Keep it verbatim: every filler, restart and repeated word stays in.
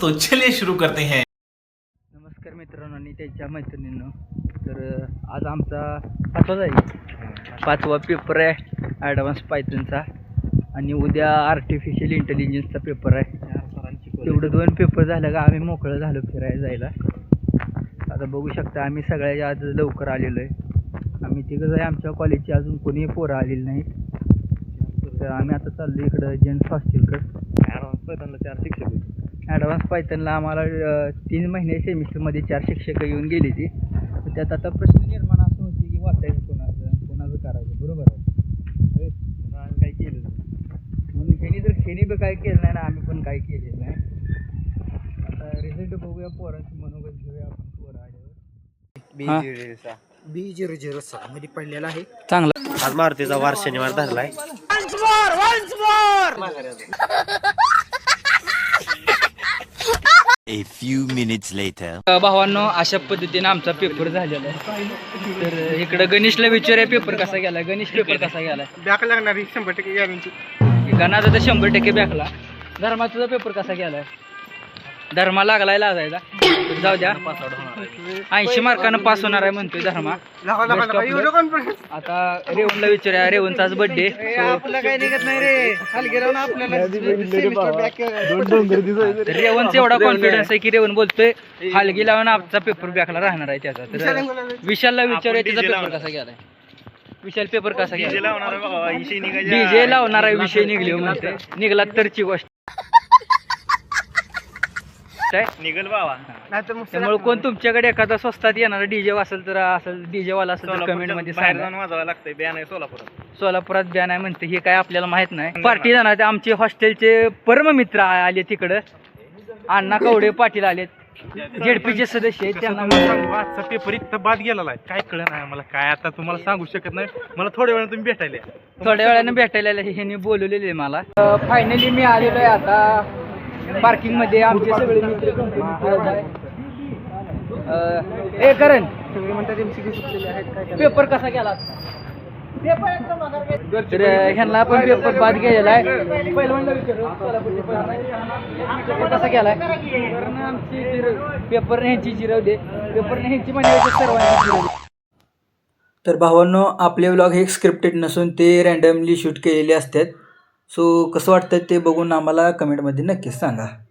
तो चलिए शुरू करते हैं। नमस्कार मित्रांनो आणि त्यांच्या मैत्रिणींनो. तर आज आमचा पाचवा जाईल पाचवा पेपर आहे ॲडव्हान्स पायथनचा आणि उद्या आर्टिफिशियल इंटेलिजन्सचा पेपर आहे. तेवढं दोन पेपर झालं का आम्ही मोकळं झालो फिरायला जायला. आता बघू शकता आम्ही सगळ्या आज लवकर आलेलो आहे. आम्ही तिघं आहे, आमच्या कॉलेजची अजून कोणी पोरं आलेली नाहीत. तर आम्ही आता चाललो इकडं जेंट्स हॉस्टेलकडं. ॲडव्हान्स पायथनला चार शिक्षक ॲडव्हान्स पायथनला आम्हाला तीन महिने सेमिस्टरमध्ये चार शिक्षक येऊन गेली ती. त्यात आता प्रश्न निर्माण असं होते की वाचायचं कोणाचं कोणाचं करायचं. बरोबर आहे, म्हणून आम्ही काही केलं नाही. म्हणून खेणी जर खेणी बी काय केलं नाही ना आम्ही पण काही केलेलं नाही. आता रिझल्ट बघूया, पोरांची मनोगत घेऊया आपण. पोरं आल्यावर बी झिरो झिरो सहा मध्ये पडलेला आहे. चांगला आज मारुतीचा वार शनिवार धरलाय. A few minutes later. भावांनो, अशा पद्धतीने आमचा पेपर झालेला आहे. तर इकडं गणेशला विचारूया पेपर कसा गेला. गणेश पेपर कसा गेला? बॅक लागणार शंभर टक्के गॅरंटी. गणाचा तर शंभर टक्के बॅकला. धर्मा तुझा पेपर कसा गेलाय? धर्मा लागलाय लाजायला. जाऊ द्या, ऐंशी मार्कानं पास होणार आहे म्हणतोय धर्मा. आता रेवणला विचारूया, रेवणचा आज बर्थडे. आपलं काही निघत नाही रे. हलगेरावून आपल्याला रेवणचा एवढा कॉन्फिडन्स आहे की रेवण बोलतोय हलगी लावून आमचा पेपर बॅकला राहणार आहे त्याचा. तर विशालला विचारूया त्याचा पेपर कसा गेलाय. विशाल पेपर कसा गेला? डीजे लावणार आहे विषय निघले म्हणते. निघला तरची गोष्ट निघल बाबा. त्यामुळे कोण तुमच्याकडे एखादा स्वस्तात येणारा डीजे असेल तर असेल डीजे वाला असेल तर कमेंट मध्ये सांगा. वाजवायला लागतंय. बॅन आहे सोलापुरात. सोलापुरात बॅन आहे म्हणते, हे काय आपल्याला माहित नाही. पार्टी जाणार आमचे हॉस्टेलचे परम मित्र आले तिकडं. अण्णा कवडे पाटील आलेत, जेडपीचे सदस्य आहेत. त्यांना आजचा पेपर इतका बाद गेलेला आहे, काय कळलं नाही मला. काय आता तुम्हाला सांगू शकत नाही. मला थोड्या वेळाने तुम्ही भेटायला थोड्या वेळाने भेटायला ह्यांनी बोलवलेले मला. फायनली मी आलेलो आहे आता पार्किंग मध्ये. आमचे सगळे मित्र ए करण पेपर कसा गेला? तर ह्यांना पण पेपर बाद गेलेला आहे. पेपर कसा गेलाय? पेपर ह्यांची जिरवले, पेपर ह्यांची म्हणजे सर्वांची जिरवली. तर भावांनो, आपले व्लॉग हे स्क्रिप्टेड नसून ते रँडमली शूट केलेले असतात. सो कसं वाटतं ते बघून आम्हाला कमेंटमध्ये नक्कीच सांगा.